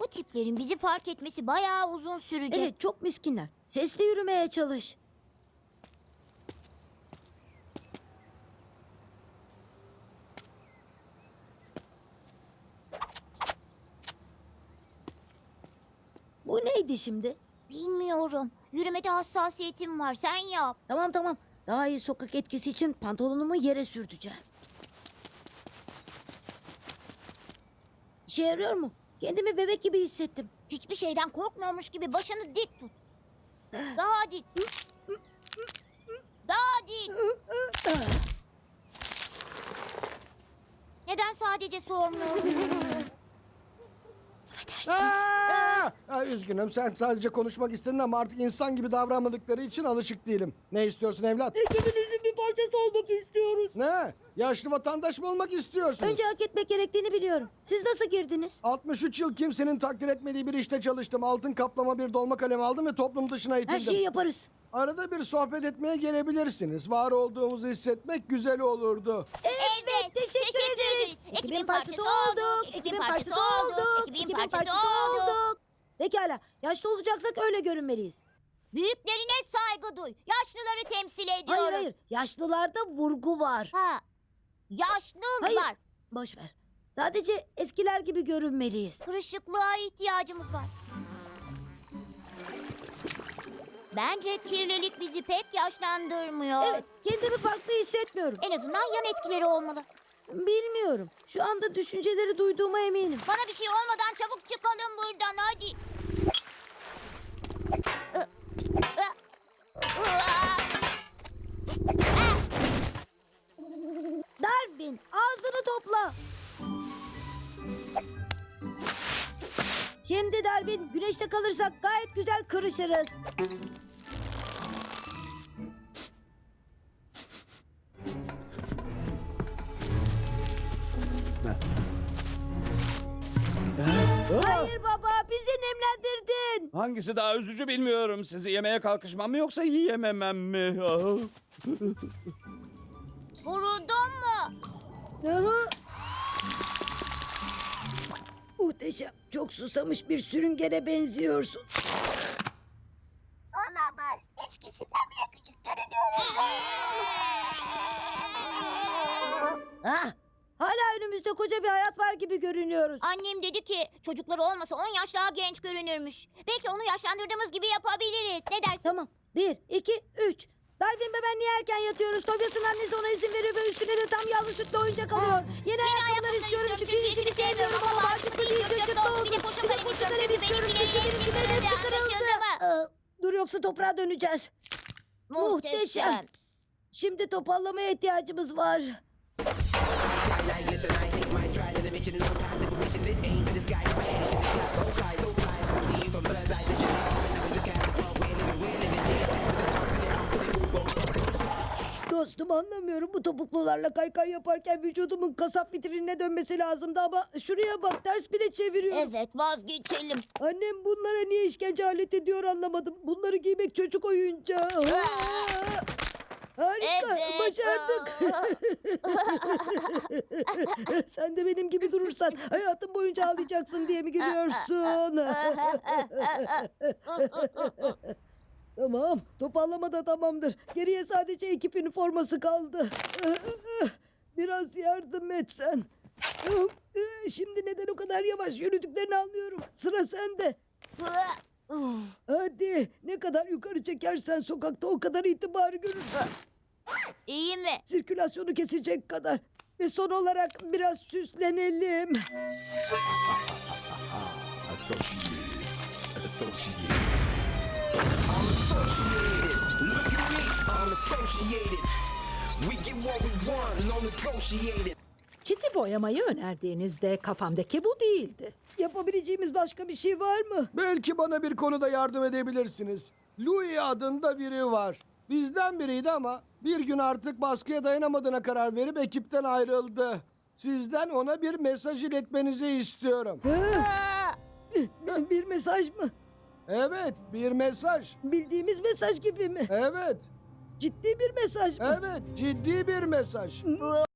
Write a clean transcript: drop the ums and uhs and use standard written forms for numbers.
Bu tiplerin bizi fark etmesi bayağı uzun sürecek. Evet, çok miskinler. Sesli yürümeye çalış. Bu neydi şimdi? Bilmiyorum. Yürümede hassasiyetim var. Sen yap. Tamam tamam. Daha iyi sokak etkisi için pantolonumu yere sürteceğim. İşe yarıyor mu? Kendimi bebek gibi hissettim. Hiçbir şeyden korkmuyormuş gibi başını dik tut. Daha dik. Daha dik. Neden sadece sormuyorum? Üzgünüm, sen sadece konuşmak istedin ama artık insan gibi davranmadıkları için alışık değilim. Ne istiyorsun evlat? Ekibinizin bir parçası olmak istiyoruz. Ne? Yaşlı vatandaş mı olmak istiyorsun? Önce hak etmek gerektiğini biliyorum. Siz nasıl girdiniz? 63 yıl kimsenin takdir etmediği bir işte çalıştım. Altın kaplama bir dolma kalem aldım ve toplum dışına itildim. Her şeyi yaparız. Arada bir sohbet etmeye gelebilirsiniz. Var olduğumuzu hissetmek güzel olurdu. Evet, teşekkür ederiz. Ekibin parçası olduk. Ekibin parçası olduk. Ekibin parçası olduk. Pekala, yaşlı olacaksak öyle görünmeliyiz. Büyüklerine saygı duy. Yaşlıları temsil ediyoruz. Hayır hayır, yaşlılarda vurgu var. Ha. Yaşlılar. Hayır. Boş ver. Sadece eskiler gibi görünmeliyiz. Kırışıklığa ihtiyacımız var. Bence kirlilik bizi pek yaşlandırmıyor. Evet, kendimi farklı hissetmiyorum. En azından yan etkileri olmalı. Bilmiyorum. Şu anda düşünceleri duyduğuma eminim. Bana bir şey olmadan çabuk çıkalım buradan hadi. Darwin, ağzını topla. Şimdi Darwin, güneşte kalırsak gayet güzel kırışırız. Hayır baba, bizi nemlendirdin. Hangisi daha üzücü bilmiyorum. Sizi yemeye kalkışmam mı yoksa yiyememem mi? Ah. Vuruldun mu? Aha. Muhteşem. Çok susamış bir sürüngene benziyorsun. Olamaz. Eskisinden bile küçük görünüyorum. Ah, hala önümüzde koca bir hayat var gibi görünüyoruz. Annem dedi ki çocukları olmasa 10 yaş daha genç görünürmüş. Belki onu yaşlandırdığımız gibi yapabiliriz. Ne dersin? Tamam. 1, 2, 3. Darwin ve ben niye erken yatıyoruz? Tobias'ın annesi ona izin veriyor ve üstüne de tam yağlı sütlü oyuncak alıyor. Yeni ayakkabılar istiyorum çünkü işini sevmiyorum ama artık bu değil çocukta olsun. Bir de poşu kalem istiyorum çünkü benimkilerin hepsi kırıldı. Dur yoksa toprağa döneceğiz. Muhteşem. Şimdi topallamaya ihtiyacımız var. Dostum anlamıyorum. Bu topuklularla kaykay yaparken vücudumun kasap vitrinine dönmesi lazımdı ama şuraya bak ters bile çeviriyorum. Evet vazgeçelim. Annem bunlara niye işkence alet ediyor anlamadım. Bunları giymek çocuk oyuncağı. Harika, Evet. başardık. Sen de benim gibi durursan hayatın boyunca ağlayacaksın diye mi gülüyorsun? Tamam, topallama da tamamdır. Geriye sadece ekip üniforması kaldı. Biraz yardım etsen. Şimdi neden o kadar yavaş yürüdüklerini anlıyorum. Sıra sende. Hadi, ne kadar yukarı çekersen sokakta o kadar itibar görürsün. İyi mi? Sirkülasyonu kesecek kadar. Ve son olarak biraz süslenelim. Associated. I'm associated. Look at me, I'm associated. We get what we want, no negotiated. Çiti boyamayı önerdiğinizde kafamdaki bu değildi. Yapabileceğimiz başka bir şey var mı? Belki bana bir konuda yardım edebilirsiniz. Louis adında biri var. Bizden biriydi ama bir gün artık baskıya dayanamadığına karar verip ekipten ayrıldı. Sizden ona bir mesaj iletmenizi istiyorum. Bir mesaj mı? Evet, bir mesaj. Bildiğimiz mesaj gibi mi? Evet, Ciddi bir mesaj mı? evet, ciddi bir mesaj.